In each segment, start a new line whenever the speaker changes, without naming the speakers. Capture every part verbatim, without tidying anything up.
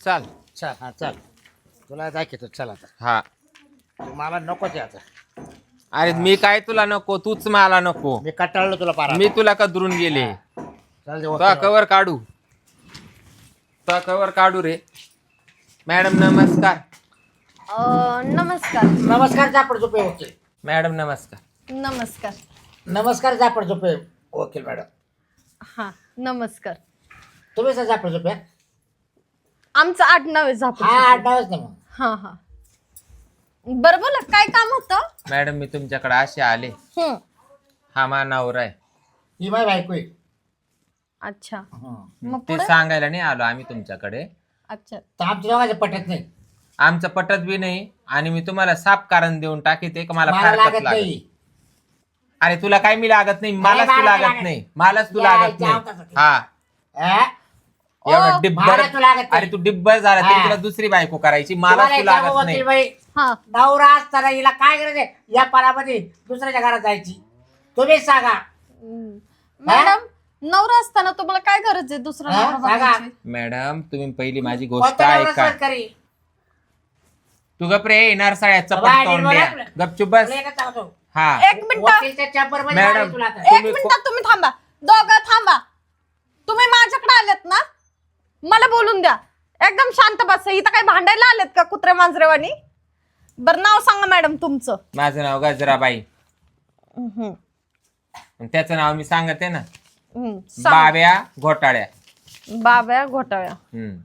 चाल.
चल हा चल तुला दाखवतो चल आता
हा.
तू मला नको ते आता
अरे मी काय तुला नको, तूच मला नको.
मी कटाळलो तुला पारा
मी तुला कदरून गेले.
चल दे
तो
वकील
कवर काढू, तो कवर काढू रे. मॅडम नमस्कार.
अ, नमस्कार.
नमस्कार जापड झोपे वकील.
मॅडम नमस्कार.
नमस्कार.
नमस्कार जापड झोपे वकील मॅडम.
हा नमस्कार.
तुम्ही सर जापड झोपे.
आमचं आडनाव आहे झापड.
हा आडनावच ना मग.
हा हा बरं बोला काय काम होतं.
मॅडम मी तुमच्याकडे असे आले.
हम्म.
हा मा नवरा आहे.
ही माय बायको आहे.
अच्छा
हं.
मग
ते
पुढे.
सांगायला नाही आलो आम्ही तुमच्याकडे.
अच्छा
तर आमच्या दोघांचं पटत नाही.
आमचं पटत बी नाही आणि मी तुम्हाला साफ कारण देऊन टाकीते का मला
मला
फारकत
लागत
लागत.
नाही.
अरे तुला काय मी लागत नाही, मलाच
मला
तू
नाही
लागत
लागत.
नाही, मलाच तू
या,
लागत
जाऊ
नाही.
तसं.
हा
हा?
एवढा
ओ,
डिब्बर.
मला तू लागत नाही.
अरे तू डिब्बर झाला तरी
हा.
तुला दुसरी बायको करायची, मला
तुम्हाला
तू
एक सांगू
लागत नाही.
वकील बाई
हा
नवरा असताना हिला काय गरज आहे या परामध्ये दुसऱ्याच्या घरात जायची. तुम्हीच सांगा.
हम्म. मॅडम नवरा असताना तुम्हाला काय गरज आहे दुसरा
हा?
नवरा
सांगा.
बघायची?
मॅडम तुम्ही पहिली माझी गोष्ट
कोणता नवरा
ऐका.
सहज करी?
तू गप रे येणार साळ्या चपट
बाबा,
तोंड
बोला
द्या.
आपलं.
गपचूप बस.
तुला एकच सांगतो.
हा
एक मिनिट
वकीलच्या चॅम्बर मध्ये
मॅडम.
मारेल तुला आता.
एक
तुम्ही
मिनिट तुम्ही थांबा. दोघं थांबा. तुम्ही माझ्याकडे आलेत ना, मला बोलून द्या. एकदम शांत बस. इथं काय भांडायला आलेत का कुत्रे मांजरेवानी. बरं नाव सांगा मॅडम तुमचं.
माझं नाव गजराबाई.
हम्म.
आणि त्याचं नाव मी सांगते ना,
हम्म. सांगा.
बाब्या घोटाळ्या.
बाब्या घोटाळ्या.
हम्म.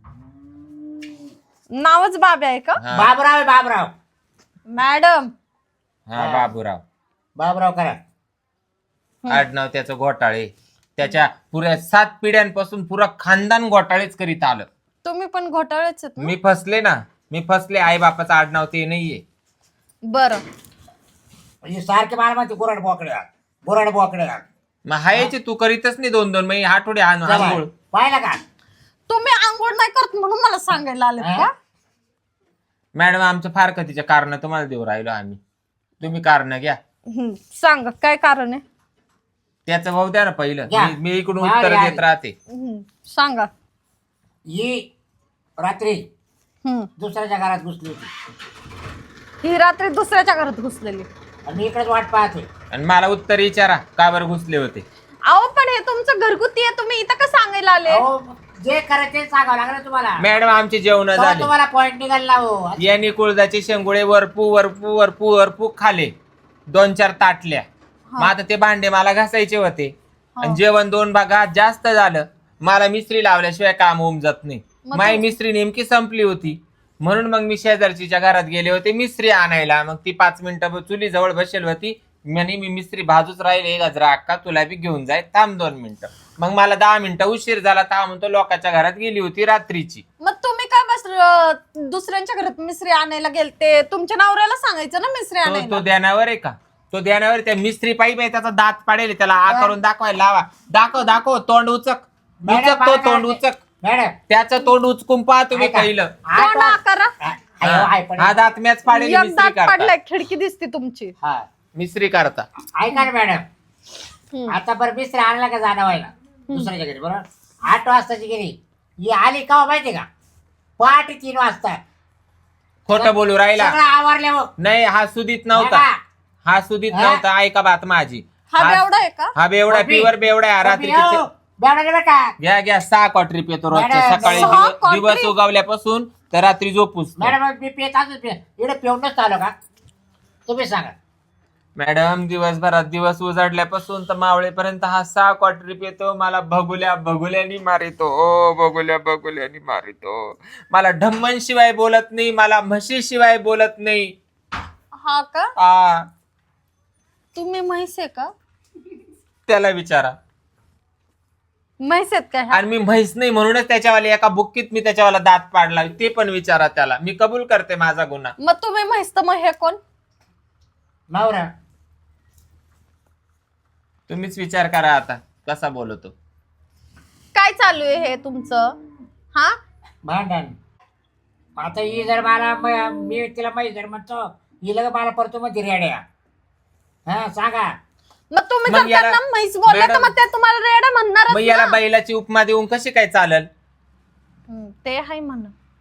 नावच बाब्या आहे का
हा.
बाबराव आहे बाबराव.
मॅडम.
हा बाबूराव.
बाबराव करा.
आडनाव त्याचं घोटाळे. त्याच्या पुऱ्या सात पिढ्यांपासून पुरा खानदान घोटाळेच करीत आलं.
तुम्ही पण घोटाळेच आहेत ना?
मी फसले ना, मी फसले. आई बापाचं आडनाव ते नाहीये.
बरं
म्हणजे सारखे मला म्हणते गुराड बोकड्या गुराड बोकड्या.
मग हायचे तू करीतच नाही दोन दोन महिने आठवडे आण आंघोळ.
पाहिलं का?
तुम्ही आंघोळ नाही करत म्हणून मला सांगायला आलेत
हा?
का?
मॅडम आमचं फार कधीचे कारण तुम्हाला देऊ राहिलो आम्ही. तुम्ही कारण घ्या.
हम्म. सांगा काय कारण आहे.
त्याचं भाऊ द्या ना पहिलं.
घ्या.
मी- मी इकडून
हा,
उत्तर
या.
देत राहते.
हम्म. सांगा.
ही रात्री
हम्म.
दुसऱ्याच्या घरात घुसली होती
ही रात्री दुसऱ्याच्या घरात घुसलेली.
आणि मी इकडेच वाट पाहते.
आणि मला उत्तर विचारा का बरं घुसले होते.
अहो पण हे तुमचं घरगुती आहे, तुम्ही इथं का सांगायला आले.
अहो, जे करायचं ते सांगावं लागलं तुम्हाला.
मॅडम आमची जेवण
तेव्हा
झाली.
तुम्हाला पॉइंट निघाला हो.
यांनी कुळदाचे शेंगुळे वरपू वरपू वरपू वरपू खाले. दोन चार ताटल्या. मग आता ते भांडे मला घासायचे होते. आणि जेवण दोन भागात जास्त झालं. मला मिस्त्री लावल्याशिवाय काम उमजत नाही.
मग
माई
तू-
मिस्त्री नेमकी संपली होती. म्हणून मग मी शेजारचीच्या घरात गेले होते मिस्त्री आणायला. मग ती पाच मिनिटं चुली जवळ बसेल होती. म्हणे मी मिस्त्री भाजूच राहिले गजरा अक्का तुला बी घेऊन जाय थांब दोन मिनिटं. मग मला दहा मिनिटं उशीर झाला. था म्हणतो लोकांच्या घरात गेली होती रात्रीची.
मग तुम्ही काय बस अं, दुसऱ्यांच्या घरात मिसरी आणायला गेलते. तुमच्या नवऱ्याला सांगायचं ना मिसरी
तो तो
आणायला.
ध्यानावर आहे का? तो ध्यानावर त्या मिस्त्री पाईप आहे त्याचा दात पाडेल. त्याला आ करून दाखवायला लावा. दाखव दाखव तोंड उचक
मॅडम,
उचक तो
मला
तोंड
काय-
उचक.
मॅडम
त्याचं तोंड उचकून पहा तुम्ही
ऐका.
पहिलं.
हा
तोंड
तो-
करा.
हा, अयो, आहे पण-
हा दात मॅच पाडेल
एक
मिस्त्री
दात
करता.
पडलाय, खिडकी दिसते तुमची.
हा.
मिस्त्री करता.
ऐका ना मॅडम.
हम्म.
आता बरं मिस्त्री आणला का जाणं व्हायला दुसऱ्याच्या घरी बरोबर आठ वाजताची गेली. ही आली का माहिती का पहाटे तीन वाजता.
खोटं बोलू राहिला.
सगळं आवरले हो.
नाही हा सुदीत नव्हता.
बघा.
हा सुदीत
हा?
नव्हता. ऐका बात माझी.
हा
हा-
बेवडा आहे का.
हा बेवडा
कॉफी.
प्युअर बेवडा आहे.
कॉफी
रात्रीचे
हो. बेवडा बरं का
घ्या घ्या सहा क्वार्टर पितो रोजच्या.
मॅडम,
सकाळी
सहा
दिव-
क्वार्टरी?
दिवस उगवल्यापासून तर रात्री झोपूस.
मॅडम मी पेत असंच पे इकडे पेऊनच आलो का तुम्ही सांगा.
मॅडम दिवसभरात दिवस उजाडल्यापासून तर मावळेपर्यंत हा सहा क्वार्टर पितो. मला भगुल्या भगुल्यानी मारितो. ओ भगुल्या भगुल्यानी मारितो. मला ढम्मन शिवाय बोलत नाही. मला म्हशी शिवाय बोलत नाही.
हा का.
आ
तुम्ही म्हैस आहे का.
त्याला विचारा.
म्हैस आहेत का ह्या?
आणि मी म्हैस नाही म्हणूनच त्याच्यावाले एका बुक्कीत मी त्याच्यावाला दात पाडला. ते पण विचारा त्याला. मी कबूल करते माझा गुन्हा.
मग तुम्ही म्हैस तर मग हे कोण.
नवरा
तुम्हीच विचार करा आता कसा बोलतो.
काय चालू आहे हे तुमचं. हा
भांडण. आता ही जर मला म- मी तिला माहिती जर म्हणतो ही लग मला परतो मग रेड्या. हा सांगा.
मग तुम्ही
मग
जर
याला-
त्यांना म्हैस बोलले तर
मॅडम-
मग ते तुम्हाला रेडा
मग
म्हणणार
याला बैलाची उपमा देऊन कशी काय चालल.
हम्म, ते आहे म्हण.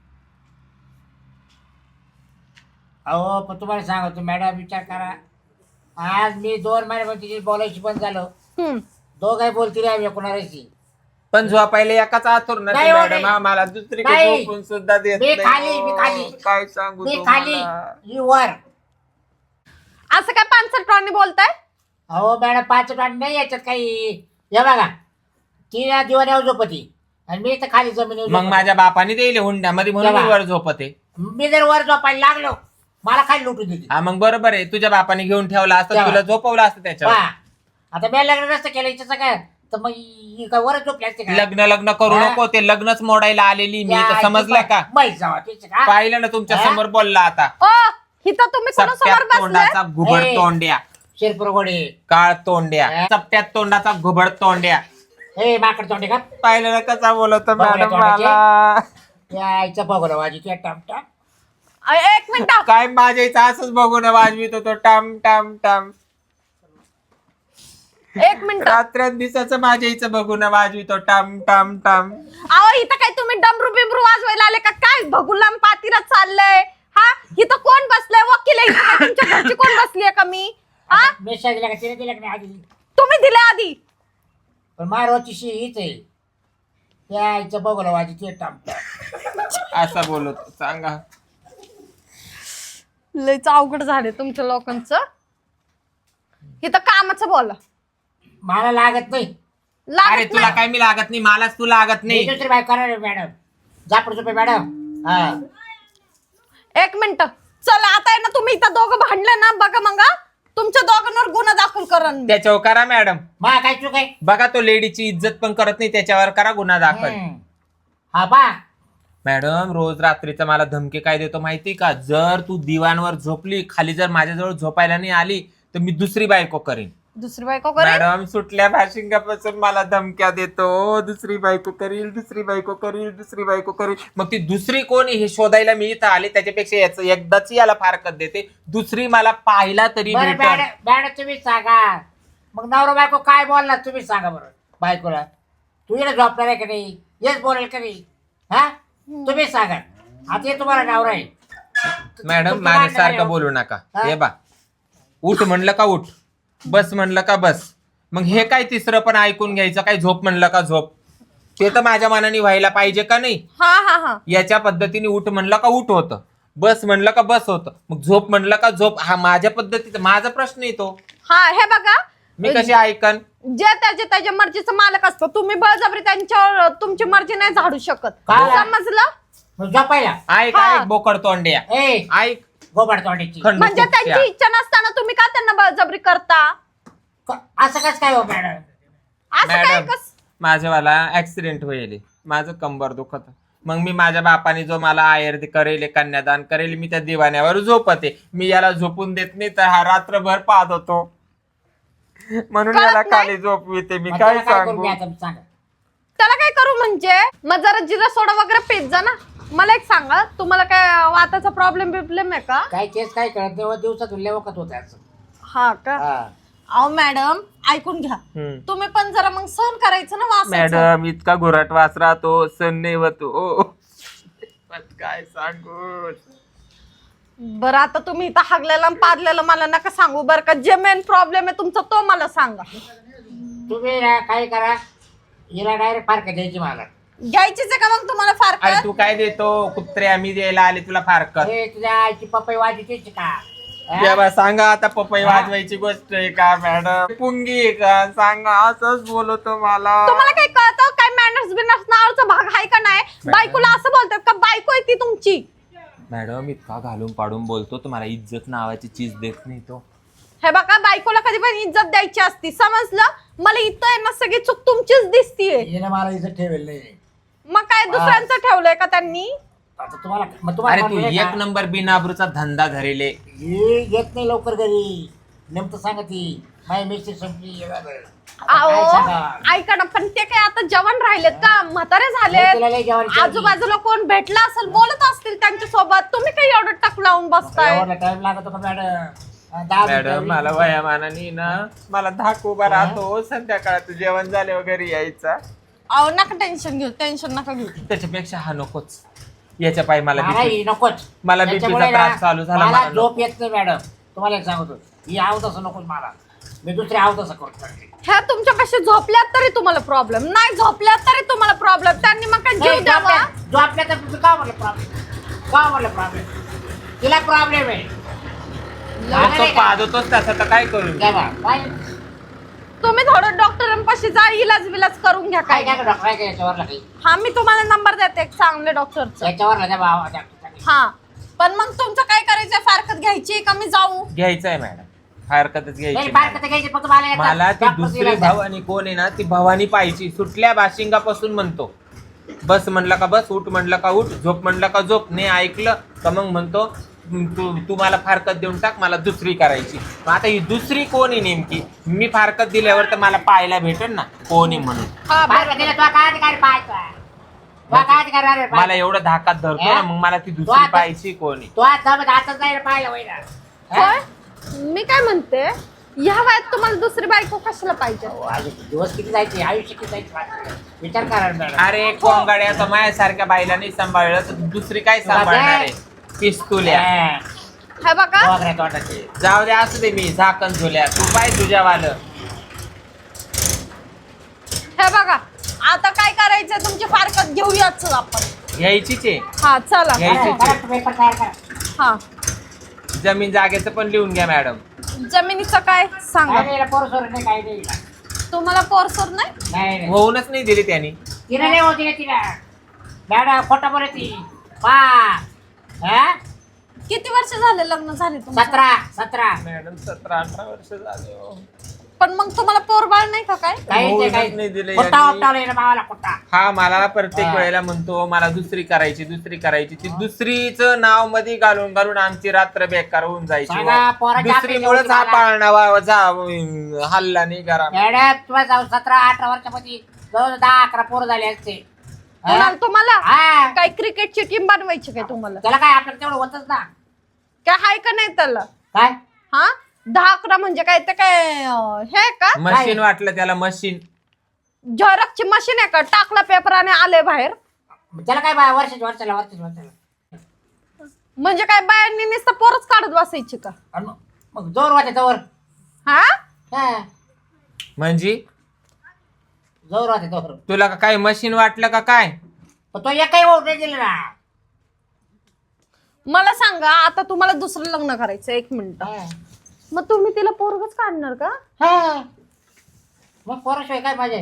अहो पण तुम्हाला सांगतो मॅडम, विचार करा. आज मी दोन महिन्यामध्ये बोलायची बंद झालो.
हम्म.
दोघाही बोलती रे कोणाशी.
पण झोपायला एकाच आतुर ना
नाही हो,
मॅडम,
नाही.
आम्हाला दुसरी
नाही.
झोपून सुद्धा देत
मी
नाही.
खाली, मी खाली.
हो, काय सांगू
मी खाली,
तुम्हाला.
ही वर.
असं काय पानसट टॉनी बोलताय?
अहो मॅडम पाच टन नाही याच्यात काही. हे बघा, ती या दिवाण्यावर झोपती आणि मी तर खाली जमिनीवर
मग
झोपते.
माझ्या बापाने देईल हुंड्यामध्ये म्हणून मी
तेव्हा.
वर झोपते.
मी जर वर झोपायला लागलो, मला खाली लुटून देते.
हा मग बरोबर आहे, तुझ्या बापाने घेऊन ठेवला असतं,
तेव्हा.
तुला झोपवलं असतं त्याच्यावर.
पहा, आता मी लग्न नसतं केलं हिचं काय, तर मग ही काय वर झोपली असते का?
लग्न लग्न करू
हा?
नको, ते लग्नच मोडायला आलेली मी,
या,
तर समजलं का?
माहीत जावा तिचं का?
पाहिलं ना तुमच्या
हा?
समोर बोलला आता.
ओ इथं तुम्ही कोणासमोर
चपट्यात
बसलाय?
तोंडाचा घुबड
ए.
तोंड्या,
शिरपुरगोडे.
काळ तोंड्या,
हा?
चपट्यात तोंडाचा घुबड तोंड्या.
ए माकड तोंडे का?
पाहिलं ना कसा बोलतो
बघूया
मॅडम
तोंडाचे.
मला.
या आईचं बघलं वाजी तुझ्या टामटा.
अ, एक मिनिट.
काय माझ्या इथं असंच बघून वाजवित होतो टाम टाम टाम.
एक मिनिट.
रात्र दिवसाचं माझ्या इथं बघून वाजवितो टाम टाम टाम.
अहो इथं काय तुम्ही डमरू बिमरू वाजवायला आले का काय? भगुलाम पातीला चाललंय. हा इथं कोण बसलंय? वकील आहे इथं काय? तुमच्या घरची कोण बसलीये का मी? हा
मेशा दिला का तिने दिला का नाही आधी?
तुम्ही दिले आधी.
पण मारवाची शी हीच आहे. त्या आईचं बघलं वाजी तुझ्या टामटा.
असा बोलतो सांगा.
लयच अवघड झाले तुमच्या लोकांचं. इथं कामाचं बोला.
मला लागत नाही.
अरे
लागत
तुला
नाही.
काय मी लागत नाही, मलाच तू लागत
मी
नाही.
दुसरी बाय करणार आहे मॅडम. जापड झोपे मॅडम. हा
एक मिनिट. चला आता आहे ना, तुम्ही इथं दोघं भांडले ना, बघा मग हा. तुमच्या दोघांवर गुन्हा दाखल करण मी.
त्याच्यावर करा मॅडम.
मा काय चूक आहे?
बघा तो लेडीची इज्जत पण करत नाही, त्याच्यावर करा गुन्हा दाखल.
हम्म. हा पा
मॅडम रोज रात्रीचा मला धमकी काय देतो माहिती का? जर तू दिवाणवर झोपली, खाली जर माझ्याजवळ झोपायला नाही आली तर मी दुसरी बायको करीन.
दुसरी बायको करे.
मॅडम सुटल्या भाशिंगापासून मला धमक्या देतो, दुसरी बायको करील, दुसरी बायको करील, दुसरी बायको करील. मग ती दुसरी कोण हे शोधायला मी इथं आले, त्याच्यापेक्षा याच एकदाच याला फारकत देते, दुसरी मला पाहिला तरी
बरं
भेटेल.
मॅडम मॅडम तुम्ही सांगा. मग नवरा बायको काय बोलला तुम्ही सांगा बरं बायकोला. तू इकडे झोपणार आहे का नाही? येस बोलेल का नाही? हा तुम्ही सांगा. आता हे तुम्हाला नवरा आहे.
मॅडम
तुमचं
माझ्यासारखं
भांडण
बोलू नका.
हा?
हे बा, उठ म्हणलं का उठ, बस म्हणलं का बस. मग हे काय तिसरं पण ऐकून घ्यायचं काय? झोप म्हणलं का झोप. ते तर माझ्या मनाने व्हायला पाहिजे का नाही?
हा हा हा.
याच्या पद्धतीने उठ म्हणलं का उठ होतं, बस म्हणलं का बस होतं, मग झोप म्हणलं का झोप. हा माझ्या पद्धतीचा माझा प्रश्न येतो.
हा हे बघा,
मी कशी ऐकन?
जे त्याचे त्याच्या मर्जीचं मालक असतो. तुम्ही बळजबरी त्यांच्यावर तुमची मर्जी नाही झाडू शकत.
काय?
समजलं?
मग झोपायला.
ऐक
हा.
ऐक बोकड तोंड्या,
ए
ऐक
गोबड तोंडीची.
खंड
म्हणजे
कुठच्या.
त्यांची इच्छा नसताना तुम्ही का त्यांना बळजबरी करता?
असं कसं काय हो मॅडम?
असं काय
मॅडम
कस?
माझ्यावाला ऍक्सिडेंट होईल, माझं कंबर दुखत, मग मी माझ्या बापाने जो मला आयर करेल, कन्यादान करेल, मी त्या दिवाण्यावर झोपते. मी याला झोपून देत नाही तर हा रात्रभर पाहत होतो, म्हणून
कळत
याला
नाही?
खाली झोपविते मी.
मग
काय
त्याला काय करू
सांगू?
मी आता सांगा.
त्याला काय करू म्हणजे? मग जरा जिरा सोडा वगैरे पेत जा ना. मला एक सांगा, तुम्हाला काय वाताचा प्रॉब्लेम बिब्लेम आहे का?
काय केस काय कळत तेव्हा दिवसातून लेवकत होत असं.
हा का?
हा.
अहो मॅडम ऐकून घ्या.
हम्म.
तुम्ही पण जरा मग सहन करायचं ना वासाचं.
मॅडम इतका घोराट वास राहतो, सण नाही होतो. पण काय सांगू?
बरं आता तुम्ही इथं हागलेला आणि पादलेला मला नका सांगू बरं का. जे मेन प्रॉब्लेम आहे तुमचा तो मला सांगा.
तुम्ही ना काय करा, हिला डायरेक्ट फारकत द्यायची मला.
घ्यायचीच आहे का मग तुम्हाला
अरे
फार?
तू काय देतो कुत्रे, आम्ही द्यायला आले तुला फारकत.
अरे तुझ्या आईची पपई वाजवायची का? हा?
जेव्हा सांगा आता पपई
हा?
वाजवायची गोष्ट आहे का मॅडम? पुंगी आहे का? सांगा, असंच बोलतो मला.
तुम्हाला काही कळतं काय? मॅनर्स बिनर्स नावाचा भाग आहे का नाही? बायकोला असं बोलतात का? बायको आहे ती तुमची.
मॅडम इतका घालून पाडून बोलतो, तुम्हाला इज्जत नावाची चीज देत नाही तो.
हे बघा, बायकोला कधी पण इज्जत द्यायची असती, समजलं? मला इथं आहे ना सगळी चूक तुमचीच दिसतीये.
हिने मला इथं ठेवेल नाही.
मग काय दुसऱ्यांचं ठेवलंय का त्यांनी?
आता तुम्हाला मग
अरे
तुम्हाला
तू
म्हणलोय
एक
का?
नंबर बिनाबरूचा धंदा धरेले.
ही येत नाही लवकर घरी. नेमकं सांगा ती माझी मिस्त्री संपली. हे झालं. आता
अहो
काय सांगा?
ऐका ना, पण ते काय आता जवान राहिलेत का? म्हातारे
मी तिला लय
झालेत.
जेवारी केली.
आजूबाजूला कोण भेटला असेल, बोलत असतील त्यांच्या सोबत. तुम्ही काही एवढं टक लावून बसताय?
एवढा टाइम लागतो का मॅडम? दहा
मॅडम
मिनिटं
मला वयामानाने ना मला धाक उभा
हा?
राहतो. संध्याकाळचं जेवण झाले वगैरे यायचा.
अहो नका टेन्शन घेऊ, टेन्शन नका घेऊ.
त्याच्यापेक्षा हा नकोच. याच्या पायी मला
मला
BP
ही नकोच.
मला बीपीचा
त्याच्यामुळे
त्रास
ना,
चालू झाला.
मला
मला
झोप
नको.
येत नाही मॅडम. तुम्हाला एक सांगतो, ही आव तसं नकोच मला. मी दुसरी आव तसं करतो.
ह्या तुमच्यापाशी झोपल्यात तरी तुम्हाला प्रॉब्लेम, नाही झोपल्यात तरी तुम्हाला प्रॉब्लेम. त्यांनी मग काय जीव द्यावा.
झोपल्या तर तुझं का म्हणलं प्रॉब्लेम? का म्हणलं प्रॉब्लेम? तिला प्रॉब्लेम आहे.
मग तो पाहतोच तसा तर काय करू?
काय बा? काय
तुम्ही थोडं डॉक्टरांपाशी जा, इलाज विलाज करून घ्या
काय
काय.
काय डॉक्टर आहे का याच्यावरला काही?
हा मी तुम्हाला नंबर देते एक चांगले डॉक्टरचा.
याच्यावरला द्या बाबा डॉक्टरचा.
हा पण मग तुमचं काय करायचं, फारकत घ्यायची का मी जाऊ?
घ्यायचंय मॅडम, हरकतच
नाही
घ्यायची.
बाहेर कसं घ्यायची फक्त मला एकदा
मला ती
डॉक्टरची
दुसरी
इलाज द्या.
भवानी कोण आहे ना, ती भवानी पाहिजे. सुटल्या बाशिंगापासून म्हणतो बस म्हणलं का बस, उठ म्हणलं का उठ, झोप म्हणलं का झोप. नाही ऐकलं का मग म्हणतो तू तू मला फारकत देऊन टाक, मला दुसरी करायची. मग आता ही दुसरी कोण आहे नेमकी? मी फारकत दिल्यावर तर मला पाहायला भेटेल ना कोण आहे म्हणून.
हा
बाहेर
बरं.
गेला तुला काय अधिकार आहे पाहायचा? तुला काय अधिकार आहे रे
मला
पाहायचा?
एवढं धाकात धरतो ना, मग मला ती
तो
दुसरी
आता-
पाहायची कोण आहे?
तो आज जमत हातच नाही रे पाहायला वैरा.
होय? मी काय म्हणते, ह्या वयात तुम्हाला दुसरी बायको कशाला पाहिजे?
दिवस किती जायचे, आयुष्य किती जायचे, विचार करा ना मॅडम.
अरे कोंगाड्या, आता माझ्यासारख्या बाईला नाही सांभाळलं तर दुसरी काय सांभाळणार आहे? पिस्तुल्या.
हा.
हे बघा
वगैरे तोंडाचे.
जाऊ दे, असू दे, मी झाकण झुल्या, तू पाय तुझ्यावालं.
हे बघा आता काय करायचं, तुमची फारकत घेऊयाच आपण.
घ्यायचीच आहे.
हा चला.
घ्यायची.
करा, करा, पेपर तयार करा.
हा
जमीन जागेचं पण लिहून घ्या मॅडम.
जमिनीचं काय सांगा.
काय नाही, याला पोरं सोरं नाही, काही नाही.
तुम्हाला पोरसोर नाही?
नाही नाही.
होऊनच नाही दिली त्यांनी.
तिला नाही होती ना तिला. मॅडम खोटं बोलत ती. पा. हा?
किती वर्ष झाले लग्न झाले तुमचं?
सतरा सतरा
मॅडम सतरा अठरा वर्ष झाले हो.
पण मग तुम्हाला पोरबाळ नाही का काय?
काही
होऊनच
नाही,
नाही
काही
दिलं
खोटा
यांनी.
उपटावला मावाला खोटा.
हा मला प्रत्येक
हा.
वेळेला म्हणतो मला दुसरी करायची दुसरी करायची. ती दुसरीच नाव मध्ये घालून घालून आमची रात्र बेकार होऊन जायची.
सांगा, पोराच्या
दुसरीमुळेच हा
आपल्या
पाळणा जा हल्ला नाही करा.
मॅडम तुम्हाला जाऊ सतरा अठरा वर्षामध्ये जवळ दहा अकरा पोरं झाले असते. हा?
कोणाला तुम्हाला
हा.
काय क्रिकेटची टीम बनवायची काय तुम्हाला?
त्याला काय आपल्याला तेवढं होतच ना.
काय हाय का नाही त्याला?
काय
हा दहा अकरा म्हणजे काय ते काय अं, हे आहे का
मशीन वाटलं त्याला मशीन.
झेरॉक्सची मशीन आहे का? टाकला पेपर आणि आले बाहेर.
त्याला काय बा वर्षाच्या वर्षाला वर्षाच्या वर्षाला
म्हणजे काय बायांनी नुसतं पोरच काढत बसायची का?
आणि मग- मग जोर वाटे जोर.
हा
हा.
म्हणजे
जोर वाटे जोर.
तुला का काय मशीन वाटलं का काय?
पण तो एकही वोट नाही दिला ना.
मला सांगा आता तुम्हाला दुसरं लग्न करायचं एक मिनिट,
हा.
मग तुम्ही तिला पोरगच काढणार का?
हा. मग पोराशिवाय काय पाहिजे?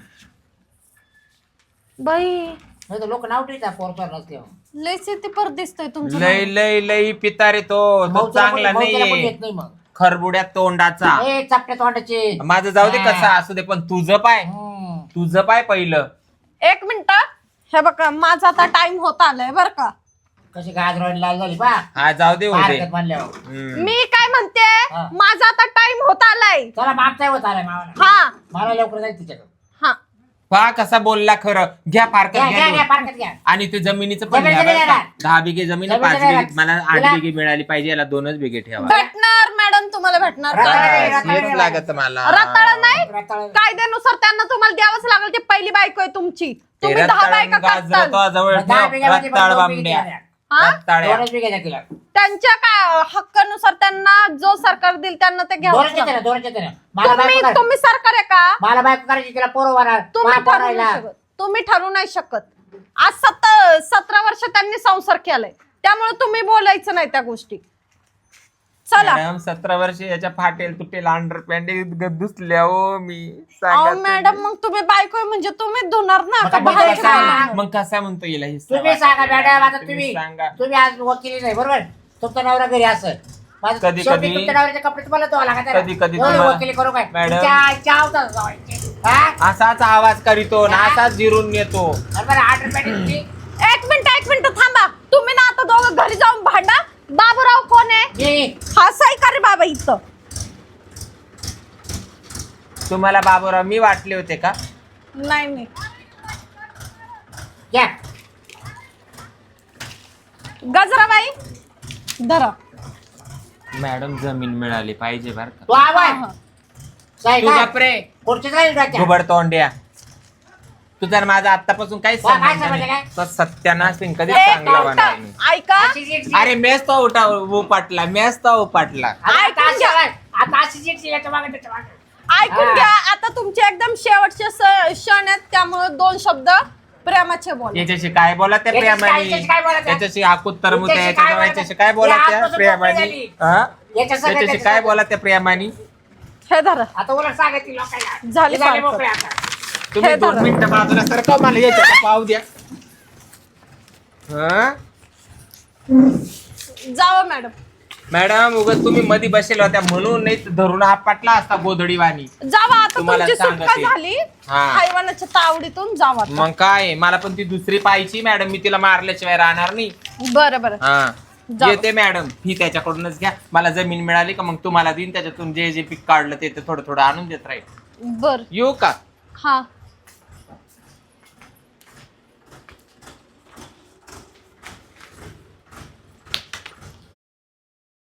बाई
नाही तर लोक नाव ठेवतात पोर सोर नसल्यावर.
लय सिटी पर दिसतोय तुमचं
लय
नाव.
लय लय पितारे तो तो
भाऊच्याला
चांगला
कोणी- भाऊच्याला कोणी
नाहीये.
येत नाही मग.
खरबुड्या तोंडाचा.
ए चपट्या तोंडाचे.
माझं जाऊ दे
हा.
कसं असू दे, पण तुझं पाय
हम्म.
तुझं पाय पहिलं.
एक मिनिट, हे बघा माझा आता टाइम होत आलाय बर का.
कशी गाजर लाल झाली बा.
हा जाऊ दे होते.
हरकत मानल्यावर.
हम्म.
मी काय म्हणते,
हा.
माझा आता टाइम होत आलाय.
चला मागचा होत आलाय मावाला.
हा
मला लवकर जायचं तिच्याकडे.
हा
पहा कसा बोलला खरं. घ्या फारकत
घ्या
घ्या
घ्या घ्या
दोन.
पारकत घ्या.
आणि ते जमिनीचं पण
जमीन
घ्या
जमीन
बरं का.
येणार.
दहा बिघे जमीन आहे,
जमीन
पाच
येणार.
बिघे मला आठ
तिला-
बिघे मिळाली पाहिजे. याला दोनच बिघे ठेवा.
भेटणार मॅडम, तुम्हाला भेटणार.
रताळा
काय?
नाही,
बस,
रताळा
हेच
नाही
लागत मला.
रताळा नाही,
रताळा.
कायद्यानुसार त्यांना तुम्हाला द्यावंच लागेल. ती पहिली बायको आहे तुमची.
ते
तुम्ही दहा
रताळं
बायका
गाजरं
करताल.
तो जवळ
दहा
ठेव.
बिघ्यामध्ये पण
रताळ
दोन बिघे
बांबड्या
द्या.
हा?
रताळ्या.
दोनच बिघे द्या तिला.
त्यांच्या काय हक्कानुसार त्यांना जो सरकार देईल त्यांना ते घ्यावं
दोनच येते ना दोनच येते ना. मला
तुम्ही
बायको करायची.
तुम्ही सरकार आहे का?
मला बायको करायची तिला पोरं होणार.
तुम्ही
मला
ठरवू
पोरायला.
नाही शकत. तुम्ही ठरवू नाही शकत. आज सत सतरा वर्ष त्यांनी संसार केलाय, त्यामुळे तुम्ही बोलायचं नाही त्या गोष्टी. चला
मॅडम सतरा वर्ष याच्या फाटेल तुटेल अंडर पॅन्ट दुसल्या हो मी सांगा
अहो
तुम्ही.
मॅडम, मग तुम्ही बायको आहे म्हणजे तुम्ही धुणार ना
मग
का
आता
बाहेर
मी काय
जाणार?
सांगणार?
मग कसा म्हणतो येईल हे
तुम्ही सांगा मॅडम. आता
तुम्ही
तुम्ही
सांगा.
तुम्ही आज वकिली नाही बरोबर. तुमचा नवरा घरी असं माझं
कधी-
शेवटी
कधी-
तुमच्या नवऱ्याचे कपडे तुम्हाला धुवा लागत आहे ना.
कधी- कधी
एवढी
तुम्हाला-
वकिली करू काय?
मॅडम.
तिच्या आईच्या आवतात जावायचे. हा?
असाच आवाज करीतो ना असाच जिरून येतो.
अरे बरं, आठ रुपयाची तुमची.
एक मिनिट एक मिनिट थांबा. तुम्ही ना आता दोघं घरी जाऊन भांडा. बाबूराव कोण आहे?
जी.
हा सही का रे बाबा इथं?
तुम्हाला बाबूराव मी वाटले होते का?
नाही नाही
घ्या.
गजराबाई धरा.
मॅडम जमीन मिळाली पाहिजे बर का.
तो आवाज.
हा.
साहेब
तू
काय?
बापरे
खुर्चीत राहील डोक्यात.
घुबड तोंड्या. तू जर माझा आतापासून काही
वा, काय
संबंध
समजलं
नाही तर सत्यानाश नाही, कधी
एक
चांगला
मिनिट,
होणार नाही.
ऐका
अशी जीट-
अरे मेस तो उठा उपाटला मेस तो उपाटला
आता
ऐकून
अशी-
घ्या.
आता अशी जीट याच्या मागे त्याच्या मागे.
ऐकून
हा.
घ्या आता तुमचे एकदम शेवटचे स- क्षण आहेत त्यामुळे दोन शब्द प्रेमाचे बोला.
याच्याशी काय बोला त्या
याच्याशी काय-
प्रेमाने
याच्याशी काय बोलायचं?
त्याच्याशी हाकूत तरमुत
याच्याशी
याच्याशी
काय
याच्याशी काय बोला
बोलायचं?
त्या
या आजपासून
प्रेमाने
मोकळी झाली.
हा?
याच्या सगळ्या
त्याच्याशी
त्याच्या
काय
सगळ्या-
बोला त्या प्रेमाने
हे धरा.
आता उलट सांगायची लोकांना
झाली
हे झाले
फारकत.
मोकळे आता.
तुम्ही
हे
दोन
धरा.
मिनिटं बाजूला सरका मला याच्यात पाहू द्या हा?
जावं मॅडम.
मॅडम उगाच तुम्ही मध्ये बसेल होत्या म्हणून नाही तर धरून हा पाटला असता गोधडी वाणी
जावा आता
तुम्हाला
तुमची सुटका
सांगते.
झाली
हा.
हैवानाच्या तावडीतून जावा आता.
मग काय मला पण ती दुसरी पाहिजे मॅडम मी तिला मारल्याशिवाय राहणार नाही
बरं बरं
हा
जाऊ.
येते मॅडम ही त्याच्याकडूनच घ्या मला जमीन मिळाली का मग तुम्हाला देईन त्याच्यातून जे जे पीक काढलं ते ते थोडं थोडं आणून देत राहील
बर
येऊ का
हा